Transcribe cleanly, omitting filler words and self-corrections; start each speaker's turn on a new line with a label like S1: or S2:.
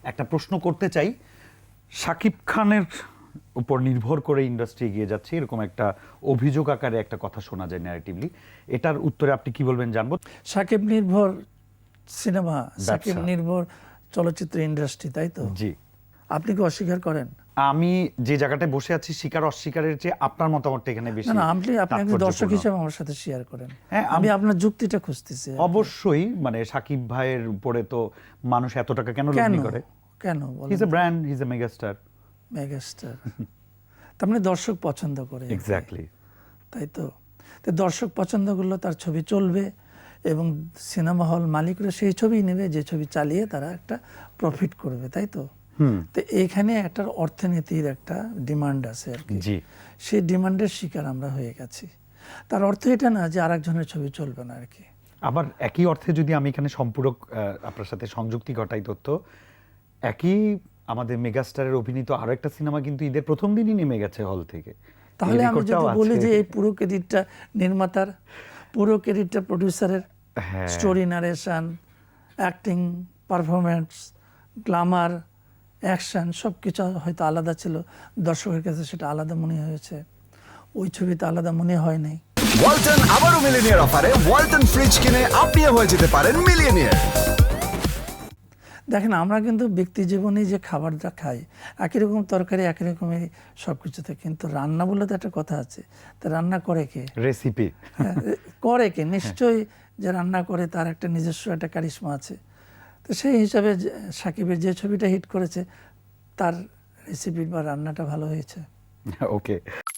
S1: একটা প্রশ্ন করতে চাই, শাকিব খানের উপর নির্ভর করে ইন্ডাস্ট্রি এগিয়ে যাচ্ছে এরকম একটা অভিযোগ আকারে একটা কথা শোনা যায় ন্যারেটিভলি, এটার উত্তরে আপনি কি বলবেন জানবো।
S2: সাকিব নির্ভর সিনেমা, সাকিব নির্ভর চলচ্চিত্র ইন্ডাস্ট্রি, তাই তো?
S1: জি,
S2: আপনি কি অস্বীকার করেন?
S1: আমি যে জায়গাটায় বসে আছি স্বীকার অস্বীকারের চেয়ে আপনার মতামতটা এখানে বেশি।
S2: না না, আপনি একজন দর্শক
S1: তাৎপর্যপূর্ণ।
S2: হিসেবে আমার সাথে শেয়ার করেন।
S1: হ্যাঁ,
S2: আমি আপনার যুক্তিটা খুঁজতেছি।
S1: অবশ্যই মানে শাকিব ভাইয়ের উপরে তো মানুষ এত টাকা কেন
S2: কেন
S1: লগ্নি করে?
S2: কেন
S1: he is a brand, he is a megastar.
S2: Megastar তার মানে দর্শক পছন্দ করে।
S1: এক্স্যাক্টলি।
S2: তাই তো। তো দর্শক পছন্দ করলে তার ছবি চলবে এবং সিনেমা হল মালিকরা সেই ছবি নেবে যে ছবি চালিয়ে তারা একটা প্রফিট করবে, তাই তো? তো এইখানে একটা অর্থনীতির একটা ডিমান্ড আছে আর কি।
S1: জি,
S2: সেই ডিমান্ডের শিকার আমরা হয়ে গেছি। তার অর্থ এটা না যে আরেকজনের ছবি চলবে না আর কি।
S1: আবার একই অর্থে যদি আমি এখানে সম্পূরক আপনার সাথে সংযুক্তি ঘটাই তথ্য, একই আমাদের মেগাস্টারের অভিনীত আরো একটা সিনেমা কিন্তু ঈদের প্রথম দিনই নেমে গেছে হল থেকে।
S2: তাহলে আমি যদি বলি যে এই পুরো ক্রেডিটটা নির্মাতার, পুরো ক্রেডিটটা প্রডিউসারের, story narration, acting, performance, glamour, action সব কিছু হয়তো আলাদা ছিল, দর্শকের কাছে সেটা আলাদা মনে হয়েছে, ওই ছবিতে আলাদা মনে হয় নাই।
S3: ওয়ালটন আবারও মিলিয়নিয়ার অফারে ওয়ালটন ফ্রিজ কিনে আপনিও হয়ে যেতে পারেন মিলিয়নিয়ার।
S2: দেখেন, আমরা কিন্তু ব্যক্তি জীবনে যে খাবারটা খাই, একই রকম তরকারি একই রকমের সব কিছুতে, কিন্তু রান্না বলে তো একটা কথা আছে। তা রান্না করে কে?
S1: রেসিপি
S2: করে কে? নিশ্চয়ই যে রান্না করে তার একটা নিজস্ব একটা কারিশমা আছে। তো সেই হিসাবে সাকিবের যে ছবিটা হিট করেছে তার রেসিপি বা রান্নাটা ভালো হয়েছে।
S1: ওকে।